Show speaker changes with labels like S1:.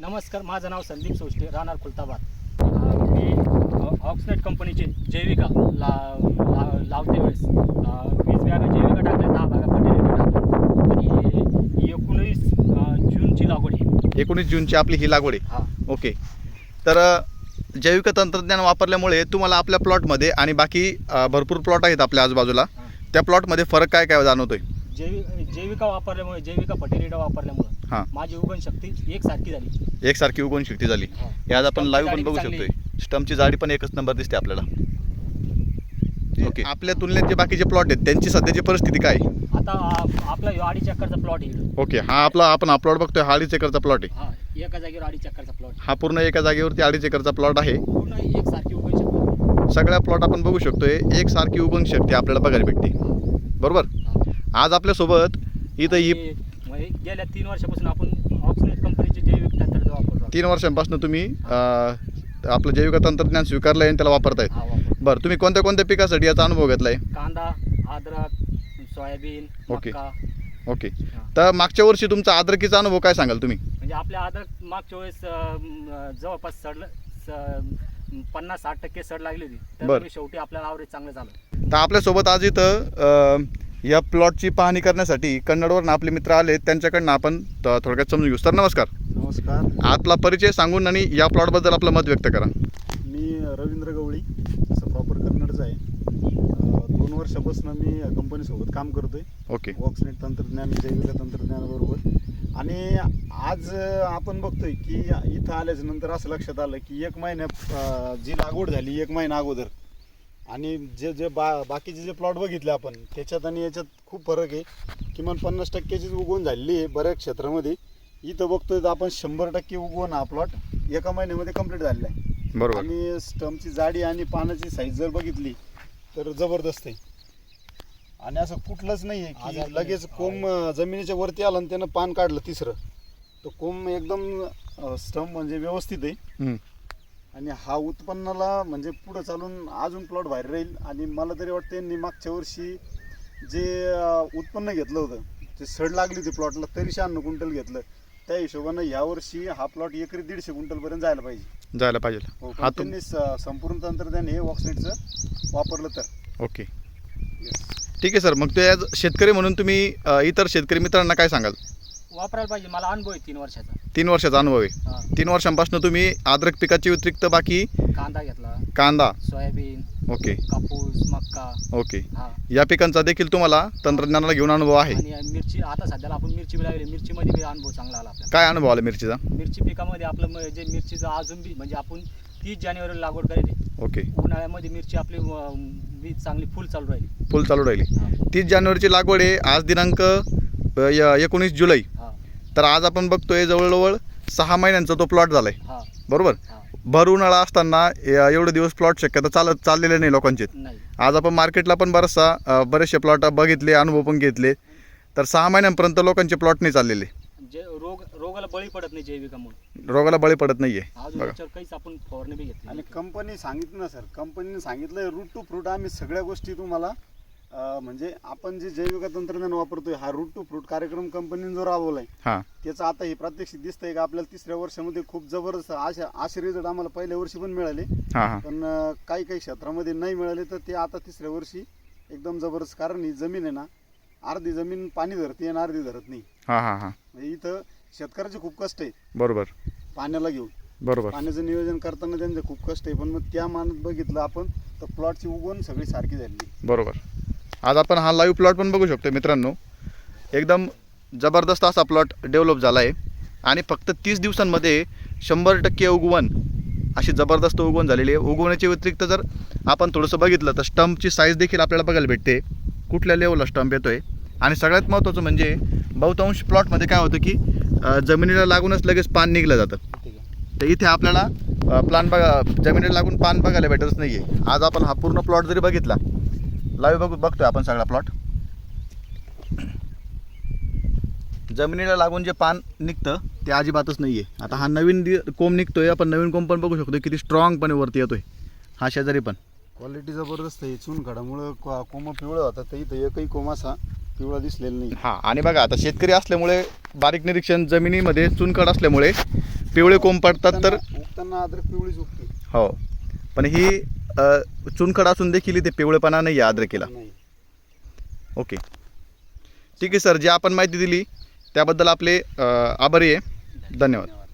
S1: नमस्कार, माझं नाव संदीप सोष्टे, राहणार खुलताबाद. मी ऑक्सनेट कंपनीचे जैविका लावते वेळेस 20 बॅगा जैविका टाकल्या, 10 बॅगा फर्टिलायझर टाकल्या आणि 19 जूनची लागवड आहे.
S2: 19 जूनची आपली ही लागवड आहे. ओके. तर जैविक तंत्रज्ञान वापरल्यामुळे तुम्हाला आपल्या प्लॉटमध्ये आणि बाकी भरपूर प्लॉट आहेत आपल्या आजूबाजूला, त्या प्लॉटमध्ये फरक काय काय जाणवतोय?
S1: जैविका वापरल्यामुळे, जैविका फर्टिलायझर वापरल्यामुळे माझी उगवण शक्ती एकसारखी
S2: उगवण शक्ती झाली. आज आपण लाईव्ह पण बघू शकतोय, स्टम्पची जाडी पण एकच नंबर दिसते आपल्याला. ओके. आपल्या तुलनेत जे बाकीचे प्लॉट आहेत त्यांची सध्याची परिस्थिती काय?
S1: आता आपला 2.5 एकरचा प्लॉट आहे.
S2: ओके. हा आपण हा प्लॉट बघतोय, 2.5 एकरचा प्लॉट आहे.
S1: एका जागेवर 2.5 एकरचा प्लॉट.
S2: हा पूर्ण एका जागेवरती 2.5 एकरचा प्लॉट आहे.
S1: पूर्ण एकसारखी उगवण शक्ती
S2: सगळ्या प्लॉट आपण बघू शकतोय, एकसारखी उगवण शक्ती आपल्याला बघायला भेटते. बरोबर. आज आपल्यासोबत इथं ही
S1: गेल्या 3 वर्षापासून आपण ऑक्सनेट कंपनीचे जैविक तंत्रज्ञान वापरतो.
S2: 3 वर्षांपासून तुम्ही आपलं जैविक तंत्रज्ञान स्वीकारलं आणि त्याला वापरतायत. बरं, तुम्ही कोणत्या कोणत्या पिकासाठी याचा अनुभव घेतलाय?
S1: कांदा, अद्रक, सोयाबीन, मका.
S2: ओके. तर मागच्या वर्षी तुमचा अद्रकीचा अनुभव काय सांगाल तुम्ही?
S1: म्हणजे आपल्या अद्रक मागच्या वेळेस जवळपास 50-60% सड लागली होती, तर शेवटी आपल्याला ॲव्हरेज चांगलं झालं.
S2: तर आपल्यासोबत आज इथं या प्लॉटची पाहणी करण्यासाठी कन्नडवरून आपले मित्र आले, त्यांच्याकडनं आपण थोडक्यात समजून घेऊ. सर नमस्कार.
S3: नमस्कार.
S2: आपला परिचय सांगून आणि या प्लॉटबद्दल आपलं मत व्यक्त करा.
S3: मी रवींद्र गवळी, असं प्रॉपर कन्नडचं आहे. 2 वर्षापासून मी कंपनीसोबत काम करतोय.
S2: ओके.
S3: ऑक्सनेट तंत्रज्ञान, जैविक तंत्रज्ञानाबरोबर. आणि आज आपण बघतोय की इथं आल्याच्या नंतर असं लक्षात आलं की 1 महिन्यात जी लागवड झाली 1 महिना अगोदर आणि जे बाकीचे जे प्लॉट बघितले आपण त्याच्यात आणि याच्यात खूप फरक आहे. किमान 50%चीच उगवण झालेली आहे बऱ्याच क्षेत्रामध्ये. इथं बघतोय तर आपण 100% उगवण हा प्लॉट एका महिन्यामध्ये कंप्लीट झालेला आहे.
S2: बरोबर.
S3: आणि स्टम्पची जाडी आणि पानाची साईज जर बघितली तर जबरदस्त आहे. आणि असं कुठलंच नाही आहे की लगेच कोंब जमिनीच्या वरती आलं आणि त्यानं पान काढलं तिसरं, तर कोंब एकदम स्टम्प म्हणजे व्यवस्थित आहे. आणि हा उत्पन्नाला म्हणजे पुढं चालून अजून प्लॉट बाहेर राहील. आणि मला तरी वाटतं यांनी मागच्या वर्षी जे उत्पन्न घेतलं होतं, ते सड लागली होती प्लॉटला, तरी 96 क्विंटल घेतलं. त्या हिशोबानं यावर्षी हा प्लॉट एकरी 150 क्विंटलपर्यंत जायला पाहिजे. हो, हा त्यांनी संपूर्ण तंत्रज्ञान हे ऑक्सनेटचं वापरलं तर.
S2: ओके. ठीक आहे सर. मग ते आज शेतकरी म्हणून तुम्ही इतर शेतकरी मित्रांना काय सांगाल?
S1: वापरायला पाहिजे. मला अनुभव आहे 3 वर्षाचा.
S2: 3 वर्षाचा अनुभव आहे. 3 वर्षांपासून तुम्ही अद्रक पिकाची व्यतिरिक्त बाकी
S1: कांदा घेतला,
S2: कांदा,
S1: सोयाबीन,
S2: ओके,
S1: कापूस, मक्का,
S2: ओके, या पिकांचा देखील तुम्हाला तंत्रज्ञानाला घेऊन अनुभव आहे.
S1: आणि मिरची, आता सध्याला आपण मिरची लागली, मिरचीमध्ये बी अनुभव चांगला आला आपल्याला.
S2: काय अनुभव आला मिरचीचा?
S1: मिरची पिकामध्ये आपलं जे मिरचीचं अजून बी म्हणजे आपण 30 जानेवारीला लागवड करेल.
S2: ओके.
S1: उन्हाळ्यामध्ये मिरची आपली बी चांगली फुल चालू राहिली.
S2: 30 जानेवारीची लागवड आहे. आज दिनांक 19 जुलै. तर आज आपण बघतोय जवळजवळ 6 महिन्यांचा तो प्लॉट झालाय. बरोबर. भर उन्हाळा असताना एवढे दिवस प्लॉट शक्यता चाललेले नाही लोकांचे. आज आपण मार्केटला पण बरेचसे प्लॉट बघितले, अनुभव पण घेतले, तर 6 महिन्यांपर्यंत लोकांचे प्लॉट नाही चाललेले.
S1: रोगाला बळी पडत नाही जैविकामुळे.
S2: रोगाला बळी पडत नाहीये.
S1: काहीच आपण फवारणी बी घेतली.
S3: आणि कंपनी सांगितलं ना सर, कंपनीने सांगितलं रूट टू फ्रूट आम्ही सगळ्या गोष्टी तुम्हाला म्हणजे आपण जे जैविक तंत्रज्ञान वापरतोय, हा रूट टू फ्रूट कार्यक्रम कंपनीने जो राबवलाय, त्याचं आता हे प्रात्यक्षिक दिसतंय का आपल्याला 3ऱ्या वर्षामध्ये खूप जबरदस्त असे रिझल्ट आम्हाला पहिल्या वर्षी पण मिळाले, पण काही क्षेत्रामध्ये नाही मिळाले. तर ते आता 3ऱ्या वर्षी एकदम जबरदस्त. कारण ही जमीन आहे ना, अर्धी जमीन पाणी धरते आणि अर्धी धरत नाही. म्हणजे इथं शेतकऱ्याचे खूप कष्ट आहे.
S2: बरोबर.
S3: पाण्याला घेऊन.
S2: बरोबर.
S3: पाण्याचं नियोजन करताना त्यांचे खूप कष्ट आहे. पण मग त्या मानात बघितलं आपण तर प्लॉटची उगवण सगळी सारखी झाली.
S2: बरोबर. आज आपण हा लाईव्ह प्लॉट पण बघू शकतो मित्रांनो. एकदम जबरदस्त असा प्लॉट डेव्हलप झाला आहे आणि फक्त 30 दिवसांमध्ये 100% उगवण, अशी जबरदस्त उगवण झालेली आहे. उगवण्याच्या व्यतिरिक्त जर आपण थोडंसं बघितलं तर स्टंपची साईज देखील आपल्याला बघायला भेटते, कुठल्या लेवलला स्टंप येतो आहे. आणि सगळ्यात महत्त्वाचं म्हणजे बहुतांश प्लॉटमध्ये काय होतं की जमिनीला लागूनच लगेच पान निघलं जातं. तर इथे आपल्याला जमिनीला लागून पान बघायला भेटतच नाही आहे. आज आपण हा पूर्ण प्लॉट जरी बघितला, लाईव्ह बघतोय आपण सगळा प्लॉट, जमिनीला लागून जे पान निघतं ते अजिबातच नाही आहे. आता हा नवीन कोंब निघतोय, आपण नवीन कोंब पण बघू शकतो किती स्ट्रॉंगपणे वरती येतोय. हा शेजारी पण
S3: क्वालिटी जबरदस्त आहे. चुनखडामुळं कोंब पिवळं होतं, तर इथं एकही कोंब असा पिवळा दिसलेला नाही.
S2: आणि बघा आता शेतकरी असल्यामुळे बारीक निरीक्षण, जमिनीमध्ये चुनखड असल्यामुळे पिवळे कोंब पडतात तर
S3: उगताना अद्रक पिवळीच उगते.
S2: हो, पण ही चुनखड असून देखील इथे पिवळेपणा नाही आहे अद्रकीला.
S3: नाही.
S2: ओके, ठीक आहे सर, जी आपण माहिती दिली त्याबद्दल आपले आभारी आहे. धन्यवाद.